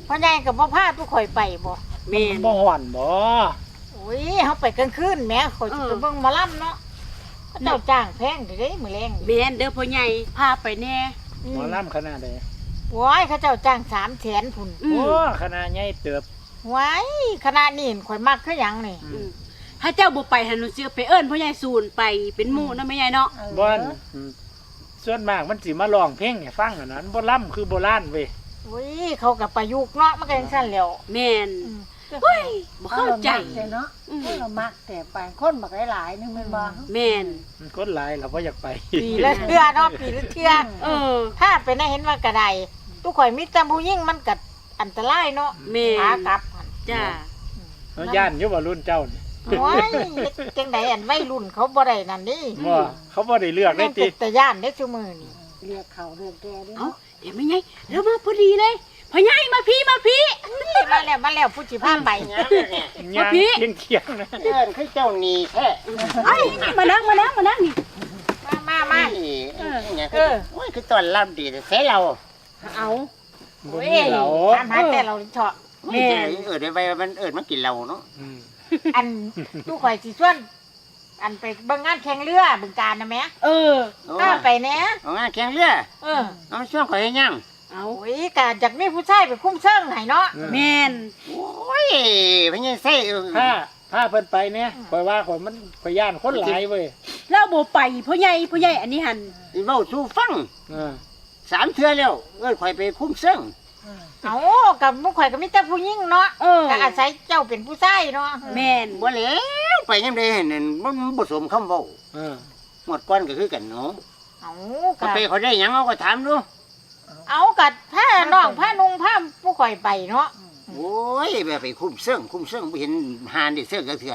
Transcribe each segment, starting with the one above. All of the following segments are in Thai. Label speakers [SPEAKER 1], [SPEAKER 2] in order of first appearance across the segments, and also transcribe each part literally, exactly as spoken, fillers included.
[SPEAKER 1] พ่อใหญ่กับพ่อพาทุกข่อยไปบ่
[SPEAKER 2] แม่น
[SPEAKER 3] บ่ฮ้อนบ่
[SPEAKER 1] โอ้ยเฮาไปกลางคืนแหมข่อยสิไปเบิ่งหมอลำเนาะเจ้าจ้างแพงเด้มื้อแรง
[SPEAKER 2] แม่นเด้อพ่อใหญ่พาไปแน่
[SPEAKER 3] หมอลำขนาดใด
[SPEAKER 1] โอ้ยเขาเจ้าจ้างสามแสนพุ่น
[SPEAKER 3] โอ้ขนาดใหญ่เติบ
[SPEAKER 1] ไว้ขนาดนี้ข่อยมักคือหยังนี่
[SPEAKER 2] ถ้าเจ้าบ่ไปหันหนูสิไปเอิ้นพ่อใหญ่ซูนไปเป็นหมู่นำแม่ใหญ่เนาะ
[SPEAKER 3] บ่นส่วนมากมันสิมาร้องเพลงให้ฟังอันนั้นบ่ล่ำคือโบราณเว้ย
[SPEAKER 1] โอ้ยเขาก็ประยุกต์เนาะมันก็จังซั่นแล้ว
[SPEAKER 2] แม่นเฮ้ยบ่เข้าใจ
[SPEAKER 4] เนาะเรามักแต่ไปคนบักหลายๆนึงแม่นบ่
[SPEAKER 2] แม่น
[SPEAKER 3] มันคนหลายเราบ่อยากไป
[SPEAKER 1] ปีละเทื่อเนาะปีละเทื่อ
[SPEAKER 2] เออ
[SPEAKER 1] ถ้าไปได้เห็นว่ากระไดทุกข่อยมีแต่ผู้หญิงมันก็อันตรายเนาะ
[SPEAKER 2] แม่
[SPEAKER 1] ขากลับ
[SPEAKER 2] จ้า
[SPEAKER 3] เฮาย่านอยู่ว่ารุ่นเจ้านี่
[SPEAKER 1] โอ้ยจังได๋อันวัยรุ่นเขาบ่ได้นั่นนี่
[SPEAKER 3] บ่เขาบ่ได้เลือกได้ติ
[SPEAKER 1] แต่ย่านได้ซุมื้อนี่
[SPEAKER 4] เรียกเขาเรียกแกดิ
[SPEAKER 2] เอ้าเดี๋ยวแม่ใหญ่แล้วมาพอดีเลยพ่อใหญ่มาพี่มาพี่
[SPEAKER 1] มาแล้วมาแล้วผู้สิพาไป
[SPEAKER 3] ย่างเคียงๆนะ
[SPEAKER 5] เอิ้นคือเจ้านี่แท้
[SPEAKER 2] ไอ้มานั่งมานั่งมานั่งนี่
[SPEAKER 1] มามามา
[SPEAKER 5] เออเออโอ้ยคือตอนรับดีแท้เรา
[SPEAKER 2] เอา
[SPEAKER 1] โอ้ยตามหาแต่เราเถาะ
[SPEAKER 5] แม่เอิ้นได้ไว้มันเอิ้นมากินเราเนาะ
[SPEAKER 1] อันทุกข่อยสิชวนอันไปเบิ่งงานแข่งเรือบึงกาฬน่ะแม่
[SPEAKER 2] เออ
[SPEAKER 1] ถ้าไปแน่
[SPEAKER 5] เอางานแข่งเรือ
[SPEAKER 1] เออ
[SPEAKER 5] เอาช่วงข่อยให้ยัง
[SPEAKER 1] เอาโอ้ยกะจักมีผู้ชายไปคุ้มเชิงให้เนาะ
[SPEAKER 2] แม่น
[SPEAKER 5] โอ้ยเพิ่นยังใส่
[SPEAKER 3] ถ้าถ้าเพิ่นไปเนี่ยข่อยว่าข่อยมันข่อยย่านคนหลายเว้ย
[SPEAKER 2] แล้วบ่ไปพ่อใหญ่พ่อใหญ่อันนี้หั่น
[SPEAKER 5] สิเว้าสู่ฟังเออสามเทื่อแล้วเอิ้นข่อยไปคุ้มเชิง
[SPEAKER 1] เอากับมุกข่อยก็มีแต่ผู้หญิงเนาะก็อาศัยเจ้าเป็นผู้ชายเนาะ
[SPEAKER 2] แม่น
[SPEAKER 5] บ่แล้วไปยามใดนั่นบ่บ่สมคำเว้าเออหมดก่อนก็คือกันเนาะ
[SPEAKER 1] เอา
[SPEAKER 5] ก็ไปเขาได้หยังเอาก็ถามดู
[SPEAKER 1] เอากัดผ้าน้องผ้านุ่งผ้าผู้ข่อยไปเนาะ
[SPEAKER 5] โอ้ยแบบไปคุ้มเสื่องคุ้มเสื่องไม่เห็นหานดิเสื่องก็เถื่อ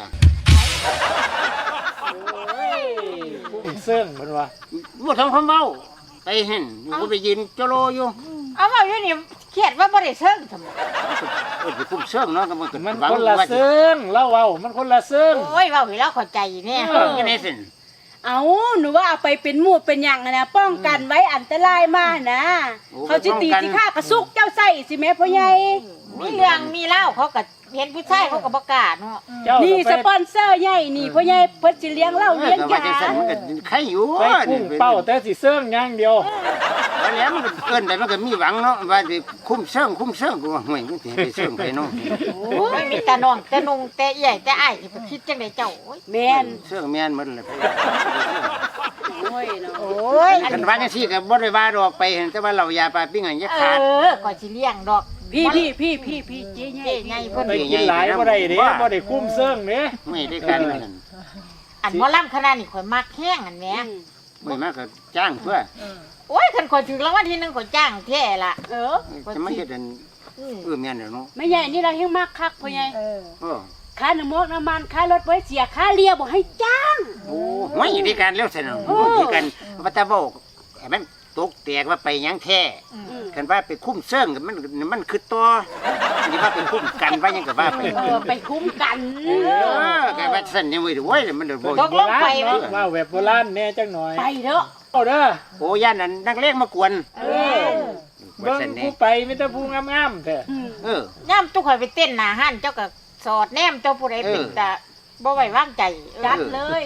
[SPEAKER 3] โอ้ยคุ้มเสื่องเพิ่นว่า
[SPEAKER 5] บ่ทำคำเว้าไปเห็นก็ไปยืนจโลอยู่
[SPEAKER 1] เอาว่าอยู่นี่เครียดว่าบ่ได้เสื่องทำไม
[SPEAKER 5] เออไปคุ้มเสื่องเนาะก็มัน
[SPEAKER 3] มันคนละเสื่องเล่าเว้ามันคนละเสื่อง
[SPEAKER 1] โอ้ยเว้าให้เราเข้าใจแน่
[SPEAKER 5] เออจังได๋ซั่น
[SPEAKER 2] เอาหนูว่าเอาไปเป็นหมู่เป็นหยังนะป้องกันไว้อันตรายมานะเขาสิตีสิฆ่ากระซุกเจ้าใส่สิแม่พ่อใหญ่
[SPEAKER 1] มีเรื่องมีเล่าเขาก็เห็นผู้ชายเขาก็บ่กล้าเนาะ
[SPEAKER 2] นี่สปอนเซอร์ใหญ่นี่พ่อใหญ่เพิ่นสิเลี้ยงเหล้าเลี้ยงยา
[SPEAKER 5] มันก็ใครอยู่
[SPEAKER 3] ไปพุ่งเป้าแต่สิเสื่องอย่างเดียว
[SPEAKER 5] แล้วมันเกินไปมันก็มีหวังเนาะว่าสิคุ้มเสื่องคุ้มเสื่องกูว่าห่วยมันสิไปเสื่องไปเนาะ
[SPEAKER 1] โอ้ยมีแต่น้องแต่นุ่งแต่ใหญ่แต่อ้ายสิไปคิดจังได๋เจ้าโอ้ย
[SPEAKER 2] แม่น
[SPEAKER 5] เสื่องแม่นหมดเลย
[SPEAKER 2] โอ้ยเนาะ
[SPEAKER 1] โอ้ย
[SPEAKER 5] กันว่าจังซี่ก็บ่ได้ว่าดอกไปเห็นแต่ว่าเรายาปลาปิ้งอันยะขาด
[SPEAKER 1] เออก็สิเลี้ยงดอก
[SPEAKER 2] พี่พี่พี่พี่พี่เจ๊ใหญ่
[SPEAKER 1] ใหญ่เพิ่น
[SPEAKER 3] ไปกินหลายบ่ได้เด้บ่ได้คุ้มเสื่องเด้
[SPEAKER 5] ไม่ได้กันนั่น
[SPEAKER 1] อันหมอลำขนาดนี้ข่อยมักแห้งอันแหม
[SPEAKER 5] ไม่มากก็จ้างเพื่อ
[SPEAKER 1] โอ้ยคันข่อยถึงรางวัลที่หนึ่งข่อยจ้างแท้ล่ะเออ
[SPEAKER 5] จะไม่เฮ็ดอันเออแม่นเนาะ
[SPEAKER 2] แม่ใหญ่นี่เราเฮงมักคักพ่อใหญ่
[SPEAKER 5] เออ
[SPEAKER 2] ค่าน้ำมันน้ำมันค่ารถไว้เสียค่าเลียบ่ให้จ้าง
[SPEAKER 5] โอ้ไม่ได้กันแล้วซั่นเนาะที่กันว่าแต่บ่ให้มันตกแตกว่าไปหยังแท้คันว่าไปคุ้มเสื่องมันมันคือต่อนี่ว่าไปคุ้มกันว่าหยังก็ว่าไป
[SPEAKER 2] เออไปคุ้มกัน
[SPEAKER 5] เออแกว่าซั่นนี่เว้ยโว้ยมันบ่
[SPEAKER 1] ตกลงไป
[SPEAKER 3] ว่าแบบโบราณแน่จังหน่อย
[SPEAKER 2] ไปเด้อ
[SPEAKER 3] เอาเด้อ
[SPEAKER 5] โอ้ย่านนั้นนักเลงมากวน
[SPEAKER 3] เออเบิ่งผู้ไปมีแต่ผู้งามๆแท้
[SPEAKER 5] เออย่
[SPEAKER 1] ำตุกข่อยไปเต้นหน้าห้านเจ้าก็สอดแนมเจ้าผู้ใดเป็นตาบ่ไว้วางใจ
[SPEAKER 2] จัดเลย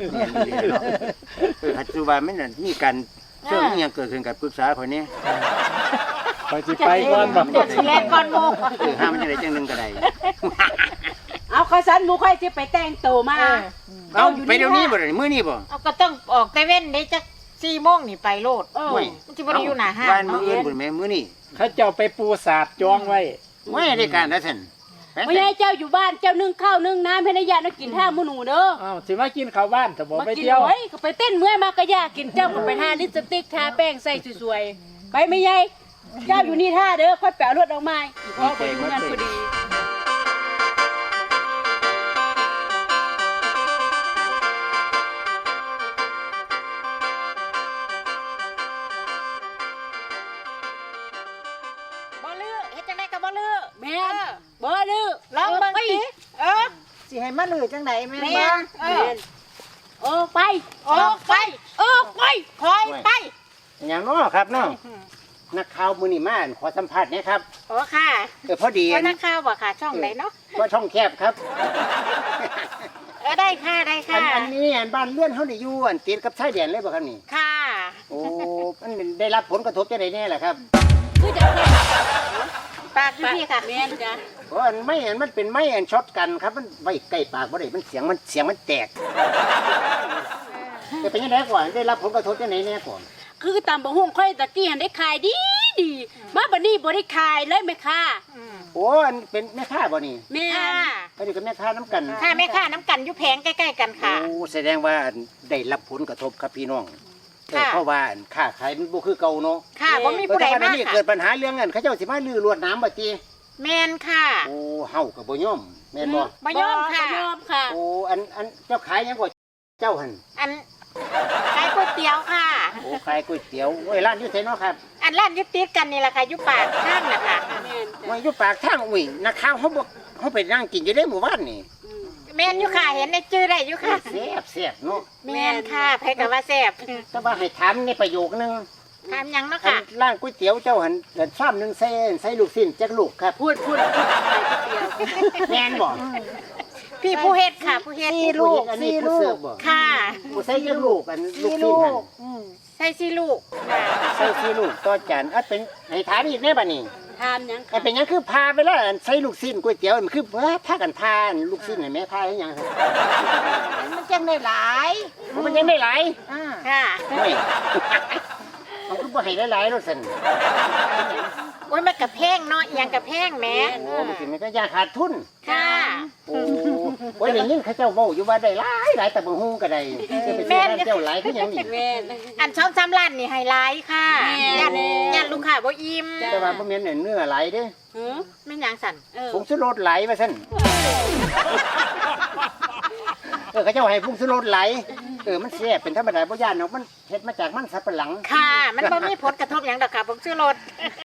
[SPEAKER 5] เออปัจจุบันมันน่ะมีการเรื่องอีหยังเกิดขึ้นกับปรึกษาข่อยนี่
[SPEAKER 3] ข่อยสิไปก่อนบ่
[SPEAKER 1] สิแล่นก่อนหมู่
[SPEAKER 5] เออห้ามมันจังได๋จังนึงก็ได้
[SPEAKER 2] เอาข้าสันหมู่ค่อยสิไปแต่งตัวมา
[SPEAKER 5] เอาไปเดี๋ยวนี้บ่ได้มื้อนี้บ่
[SPEAKER 1] เอาก็ต้องออกแต่เว้นได้จักสี่โมงนี่ไปโลดเออมันสิบ่ได้อยู่หน้าห้าง
[SPEAKER 5] วันมื้ออื่นพุ่นแม่มื้อนี้
[SPEAKER 3] เขาเจ้าไปปูสาดจองไว้
[SPEAKER 5] ไม่ได้การนะท่าน
[SPEAKER 2] ไม่ให้เจ้าอยู่บ้านเจ้านึ่งข้าวนึ่งน้ำให้นายากินท่ามื้อหนูเด้อ
[SPEAKER 3] อ้าวสิมากินข้าวบ้านถ้าบ่ไปเที่ยว
[SPEAKER 2] ไว้ก็ไปเต้นเมื่อยมากก็ยากกินเจ้าก็ไปทาลิปสติกทาแป้งใส่สวยๆไปไม่ใหญ่เจ้าอยู่นี่ท่าเด้อค่อยแปะรถออกมาอีกพอไปดูงานพอดี
[SPEAKER 1] บ่ลือเฮ็ดจังได๋ก็บ่ลือ
[SPEAKER 2] แม่นบ่ลือ
[SPEAKER 1] ลองเบิ่งสิเออ
[SPEAKER 4] สิให้มาลือจังได๋แม่นบ่
[SPEAKER 1] เออ
[SPEAKER 2] โอ้ไป
[SPEAKER 1] โอ้ไป
[SPEAKER 2] เออไป
[SPEAKER 1] คอยไป
[SPEAKER 5] อย่างน้อครับน้อนักข่าวมื้อนี้มาขอสัมภาษณ์หนะครับ
[SPEAKER 1] โอ้ค่ะ
[SPEAKER 5] เออพอดี
[SPEAKER 1] ก็นักข่าวบ่ค่ะช่องไหนเนาะ
[SPEAKER 5] ก็ช่องแคบครับ
[SPEAKER 1] เออได้ค่ะได้
[SPEAKER 5] อั
[SPEAKER 1] ค่ะ
[SPEAKER 5] นอันนี้อันบ้านเลื่อนเฮานี่อยู่อันติดกับชายแดนเลยบ่ครับนี่
[SPEAKER 1] ค่ะ
[SPEAKER 5] โอ้มันได้รับผลกระทบจังไดแน่ล่ะครับ
[SPEAKER 2] คือจะแค่
[SPEAKER 1] ปากอยู่พี่ค่ะ
[SPEAKER 2] แม่นจ้ะ
[SPEAKER 5] เพราะอันไม่อันมันเป็นไม้อันช็อตกันครับมันไว้ใกล้ปากบ่ได้มันเสียงมันเสียงมันแตกจะเป็นยังไงก่อนได้รับผลกระทบจังไดแน่ก่อน
[SPEAKER 2] คือตำบักหุ่งค่อยตะกี้หันได้ขายดีดีมาบัดนี้บ่ได้ขายเลยแม่ค่ะ
[SPEAKER 1] อืม
[SPEAKER 5] โอ้อันเป็นแม่ค้าบ่นี่
[SPEAKER 2] แม่
[SPEAKER 1] ค่ะ
[SPEAKER 5] อันนี้ก็แม่ค้าน้ำกัน
[SPEAKER 1] ค่ะแม่ค่ะน้ำกันอยู่แผงใกล้ๆกันค่ะ
[SPEAKER 5] โอ้แสดงว่าได้รับผลกระทบครับพี่น้องเออ
[SPEAKER 1] ค่ะ
[SPEAKER 5] เพราะว่าอันค้าขายมันบ่คือเก่าเนาะ
[SPEAKER 1] ค่ะบ่มีผู้ใด
[SPEAKER 5] เพระฉะ
[SPEAKER 1] มา
[SPEAKER 5] นี้
[SPEAKER 1] ค่ะ
[SPEAKER 5] เกิดปัญหาเรื่องเงินเขาเจ้าสิมาลื้อลวดน้ำบ่ติ
[SPEAKER 1] แม่นค่ะ
[SPEAKER 5] โอ้เฮาก็บ่ยอมแม่นบ่
[SPEAKER 1] บ่ยอมค่ะ
[SPEAKER 2] บ่ยอมค่ะ
[SPEAKER 5] โอ้อันอันเจ้าขายหยังบ่เจ้าหั่น
[SPEAKER 1] อันขายก๋วยเตี๋ยวค่ะ
[SPEAKER 5] โอ้ขายก๋วยเตี๋ยวโอ้ยร้านอยู่ไสเนาะครับ
[SPEAKER 1] อันร้านอยึดติดกันนี่แหละค่ะอยู่ปากข้างนะคะ
[SPEAKER 2] แม่น
[SPEAKER 5] ว่า
[SPEAKER 2] จ้ะ
[SPEAKER 5] อยู่ปากทางอุ้ยนักข่าวเฮาบ่เฮาไปนั่งกินอยู่ได้หมู่บ้านนี่
[SPEAKER 2] อืม
[SPEAKER 1] แม่นอยู่ค่ะเห็นในจื้อได้อยู่ค่ะ
[SPEAKER 5] แซ่บแซ่บเนาะ
[SPEAKER 1] แม่นค่ะไผก็ว่าแซ่บ
[SPEAKER 5] แต่ว่าให้ถามในประโยคนึง
[SPEAKER 1] ถามหยังเนาะ
[SPEAKER 5] อัน
[SPEAKER 1] ค่ะ
[SPEAKER 5] ร้านก๋วยเตี๋ยวเจ้าหันเดินซ้ำหนึงใส่ใส่ลูกชิ้นจักลูกครับ
[SPEAKER 2] พูดพูดพูดขายก๋วยเตี๋ยว
[SPEAKER 5] แม่นบ่
[SPEAKER 1] พี่ผู้เฮ็ดค่ะ ผู้เฮ็ด
[SPEAKER 4] สี่ลูก
[SPEAKER 5] อันนี้
[SPEAKER 4] สี่
[SPEAKER 5] ผู้
[SPEAKER 4] ลู
[SPEAKER 5] เสิร์
[SPEAKER 4] ก
[SPEAKER 5] ฟบ่
[SPEAKER 1] ค่ะ
[SPEAKER 5] ผู้ใส่จักลูกอันลูก
[SPEAKER 4] สี่
[SPEAKER 5] ชิ้น
[SPEAKER 4] ลู
[SPEAKER 5] หั่น
[SPEAKER 4] กอืม
[SPEAKER 1] ใส่สี่ลูกค่ะ
[SPEAKER 5] ใส่สี่ลูกต่อจานอันเป็นให้ถามอีกแน่บัดนี้
[SPEAKER 2] ทามหยัง
[SPEAKER 5] อันเป็นหยังคือพาไปแล้วอันใส่ลูกชิ้นก๋วยเตี๋ยวมันคือเอ้อพากันพาอันลูกชิ้นให้แม่พาให้หยังครับ
[SPEAKER 4] มันจังได้หลาย
[SPEAKER 5] มันยังได้หลาย
[SPEAKER 4] อ่า
[SPEAKER 1] ค่ะ
[SPEAKER 5] ไม่ มันคือบ่ให้หลายๆรถซั่น
[SPEAKER 1] โอ้ยมันกระแพงเนาะเอียงกระแพงแหม่
[SPEAKER 5] โอ้มันสิมันก็ยาขาดทุน
[SPEAKER 1] ค่ะ
[SPEAKER 5] โอ้โอ้ยได้ยินเขาเจ้าเว้าอยู่ว่าได้หลายหลายแต่บ่ฮู้ก็ได้จะไปซื้อร้านเจ้าหลายคือหยังนี่
[SPEAKER 2] แม่น
[SPEAKER 1] อันช่องซ้ำร้านนี่ไฮไลท์ค่ะ
[SPEAKER 2] แม่
[SPEAKER 1] ยัน
[SPEAKER 2] แม่
[SPEAKER 1] ยันลูกค้าบ่อิ่ม
[SPEAKER 5] แต่ว่าบ่แม่นเนื้อหลายเด้
[SPEAKER 2] หือ
[SPEAKER 1] ไม่นหยังสั่น
[SPEAKER 2] เออ
[SPEAKER 5] ผงชูรสไหลว่าซั่นเออเขาเจ้าให้ผงชูรสไหลเออมันแซ่บเป็นธรรมดาบ่ย่านเนาะมันเฮ็ดมาจากมันสับปะหลัง
[SPEAKER 1] ค่ะ มันบ่มีผลกระทบหยังดอกค่ะผมชื่อรถ